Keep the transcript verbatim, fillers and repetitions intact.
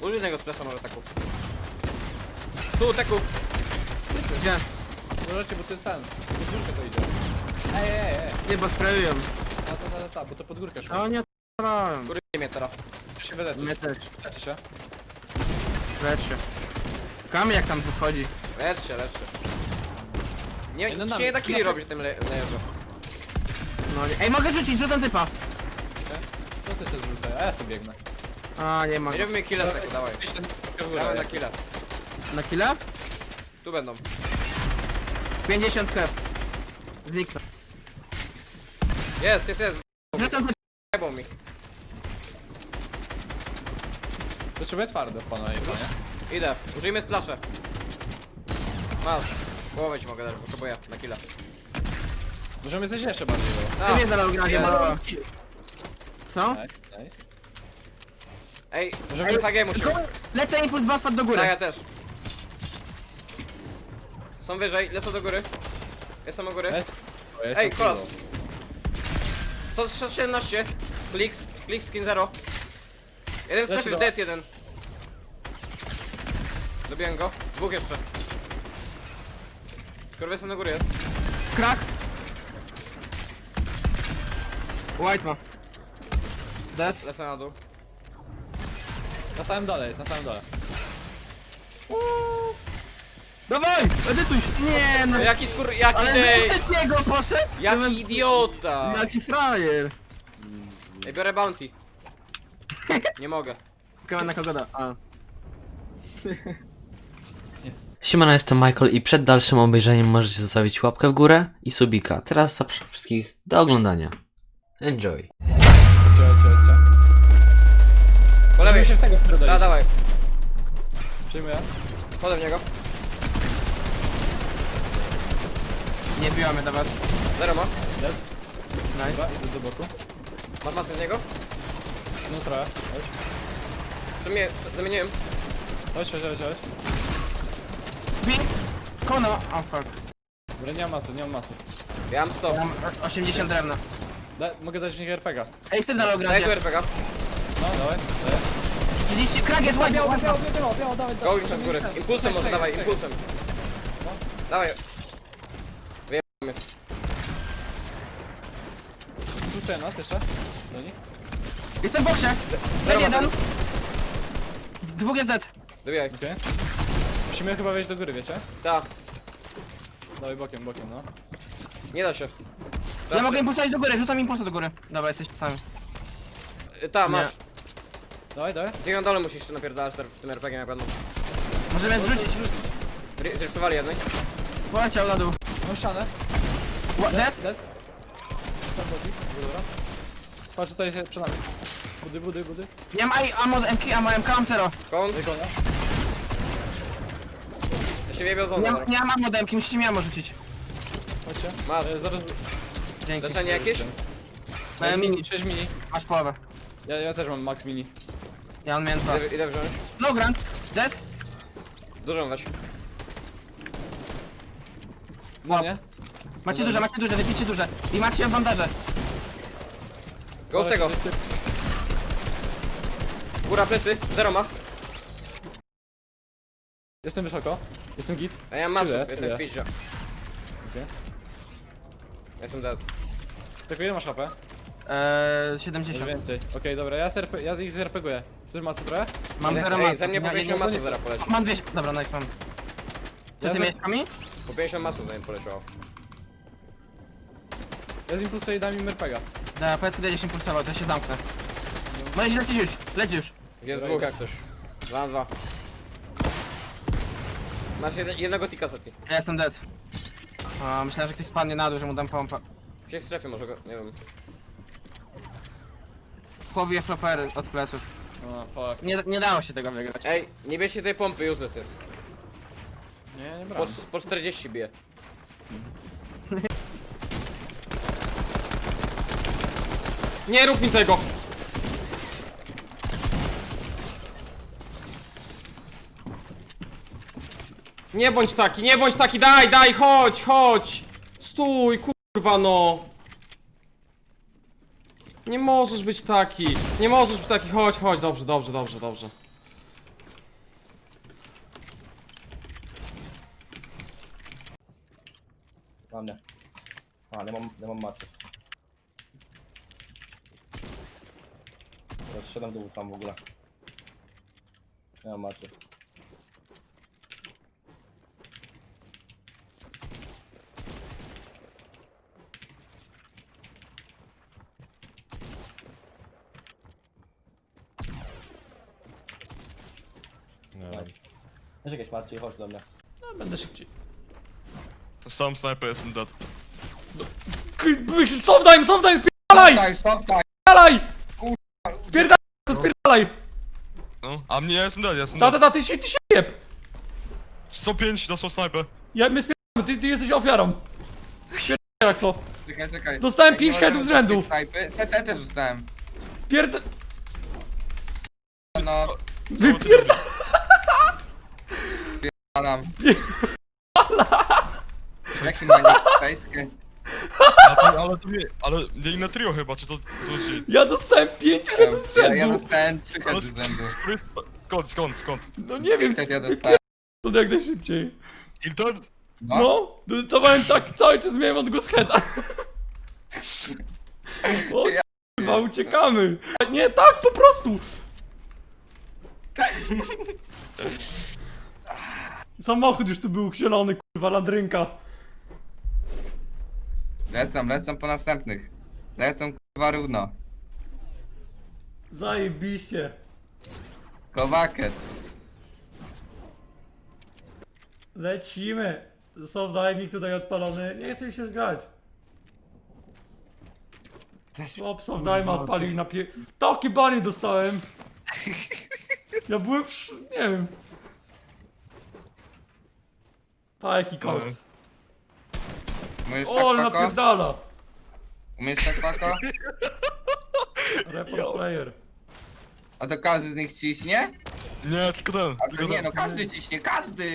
Użyj tego splesa może taku. Tu, taku. Gdzie? Możecie, bo to jest ten. Pod górkę to idzie. Ej, ej, ej. Nie, bo sprayują. Ta, ta, ta, ta, bo to pod górkę szło. No nie t***ałem. Kury mnie teraz. Ja się wyleczysz. Mnie też. Leczy się. Lecz się. Kamy jak tam wychodzi. Lecz się, lecz się. Nie, Jeden się nami. nie da killi robić w tym le lejerze. No nie. Ej, mogę rzucić, rzucam typa. Co ty się zrzucaj? A ja sobie biegnę. A, nie ma. Nie robimy killa taku, dawaj. Gdzieś ten trochę w górę. Dawaj na killa. Na killa? Tu będą. pięćdziesiąt kep. Zniknę. Jest, jest, jest. Rzucam typa. Jebał mi. Potrzebuję twardo w pana jego, nie? Idę. Użyjmy splasze. Masz. Połowę ci mogę dać, potrzebuję na killa. Możemy zejść jeszcze bardziej do. Ty mnie zalał gra, nie jest. malała. Co? Nice, nice. Ej, Możemy- Ej H G musimy. Lecę impuls, bas padł do góry. Tak, ja też. Są wyżej, lecą do góry. Jestem u góry. Ej, O, ja Ej, jestem kolos. full. sto siedemnaście. Kliks, kliks skin zero. Jeden Leci strefy do- w dead, jeden. Dobiłem go. Dwóch jeszcze. Kurwa, na góry jest. Krak. White ma. Dead. Lecę na dół. Na samym dole jest, na samym dole. Dawaj! Edytuj się. Nie no. No jaki skur... jaki Ale ty... z niego poszedł? Jaki idiota! Jaki frajer. Ej, biorę bounty. Nie mogę. Kawa na kogo da. A. Siemano, jestem Michael i przed dalszym obejrzeniem możecie zostawić łapkę w górę i subika. Teraz zapraszam wszystkich do oglądania. Enjoy! Chodźcie, chodźcie, chodźcie. Po lewej. Możemy się w tego wpierdolić. Da, dawaj. Przyjmuję. Podam w niego. Nie biła mnie dawać. Zero ma. Dead. Nice. Dobra, idę do boku. Masz masę z niego? No trochę. Chodź. Przemię... Zamieniłem. Chodź, chodź, chodź, chodź. Bi. Kono. O fuck. Dobra, nie mam masu, nie mam masu. Ja mam sto. Mam osiemdziesiąt drewna. Da, mogę dać z nich R P G. Ej, z tym dalej Daj tu gradzie. R P G. No, dawaj. dawaj. trzydzieści. Krak jest white. Biało, white. biało, biało, biało, dawaj, Go dawaj. już tam w górę. Impulsem może, Czekaj, dawaj, czekaj. impulsem. Dawaj. Wyjebamy. Impulsuje nas jeszcze. Do nich. Jestem w boksie. Zero Dead ma jeden. Dwóch jest dead. Dobijaj. Okej. Musimy chyba wejść do góry, wiecie? Ta. Dawaj bokiem, bokiem, no. Nie da się. Ja Raz mogę się- impulsować do góry, rzucam impulsa do góry. Dobra, jesteś sami. Y, Ta, masz. Dawaj, dawaj. Ty na dole musisz jeszcze napierdalać ter- tym R P G na pewno. Możemy zrzucić. Ry- Zriftowali jednej. Poleciał na dół. Mam ścianę. What, dead? Dead. Tam chodzi. Dobra. Patrz, tutaj jest przed nami. Budy, budy, budy. Nie mam aj- ammo M K, ammo M K, mam zero. Kąt. Wykonia. Ja się wyjebał z Nie, zona. nie mam ammo do M K, musicie mi ammo rzucić. Chodźcie. Masz. E, zaraz... Dzięki. Leczenie jakieś? E, mini, sześć mini. masz połowę. Ja, ja też mam max mini. Ja mam miałem dwa. Idę, idę wziąć. No grant, dead? Dużą weź. No nie? Macie duże, macie duże, wypijcie duże. I macie bandaże. Go z tego. Góra plecy. Zero ma. Jestem wysoko. Jestem git. A ja mam masów. Tyle, Jestem tyle. w piździe. Okej. Jestem dead. Tylko ile masz H P? Eee, Może siedemdziesiąt. więcej. Okej, dobra, ja, z ja ich zerpeguję. Chcesz masy trochę? Mam zero Ej, masów. ze mnie po Ja nie- pięćdziesiąt nie- masów zaraz poleci. Mam dwieście, dobra, nice, mam. Co Ja ty za- miałeś kami? Po pięćdziesiąt masów za nim poleciało. Ja z impulsu i dam im R P G. Da, powiedz kiedy się impulsował, to ja się zamknę. Możesz lecieć już, leć już. Jest Dobra, dwóch idę. jak coś. Dwa na dwa. Masz jed jednego tika seti. Ja jestem dead. A, myślałem, że ktoś spadnie na dół, że mu dam pompa. Gdzieś w strefie może go, nie wiem. Chłopie flopery od pleców. O, fuck. Nie, nie dało się tego wygrać. Ej, nie bierzcie tej pompy, useless jest. Nie, nie Po, brałem. po czterdzieści bije. Nie rób mi tego! Nie bądź taki, nie bądź taki, daj, daj, chodź, chodź! Stój, kurwa no! Nie możesz być taki, nie możesz być taki, chodź, chodź, dobrze, dobrze, dobrze, dobrze. Na mnie. A, nie mam, nie mam maczy. Teraz szedłem dół sam w ogóle. Nie mam maczy. Nie Masz jakieś macie? Chodź do mnie. no, będę szybciej. Sam sniper jestem dead. Sofdime, sofdime, spierdalaj! Daj, stop, daj! Spierdalaj! Spierdalaj, to spierdalaj! No, a mnie ja jestem dead, ja jestem Ta, dead. ta, ta, ty się, ty się jeb! sto pięć dostał sniper. Ja, my spierdalamy, ty, ty jesteś ofiarą. Spierdalaj, Axo. Czekaj, czekaj. Dostałem Jak pięć nie headów z możemy rzędu. takiej snajpy- Te, te też dostałem. Spierdalaj. No, Wypierdalaj. palam. Jak się ma niepejskie? A to, ale to nie, ale nie inne trio chyba, czy to, to ci... Ja dostałem pięć headów z Ja, ja rzędu. dostałem trzy Ale heady z rzędu. skąd, skąd, skąd? No nie wiem, Head ja dostałem. to jak najszybciej. Tilted? No, No, dostawałem tak, cały czas miałem odgłos heada. O kurwa, uciekamy. Nie, tak, po prostu. Samochód już tu był zielony, kurwa, landrynka. lecą, lecą po następnych. Lecą kurwa równo. Zajebiście. Kowaket. Lecimy. Soft diving tutaj odpalony. Nie chcę mi się grać. Chłop soft dive odpalił na pie... Takie banie dostałem. Ja byłem w... sz- nie wiem. Pa, jaki koks. Umiesz O, ale tak pako? napierdala. Umiesz tak pako? Report player. A to każdy z nich ciśnie? Nie, tylko ten, A tylko to nie ten. no, każdy ciśnie, każdy!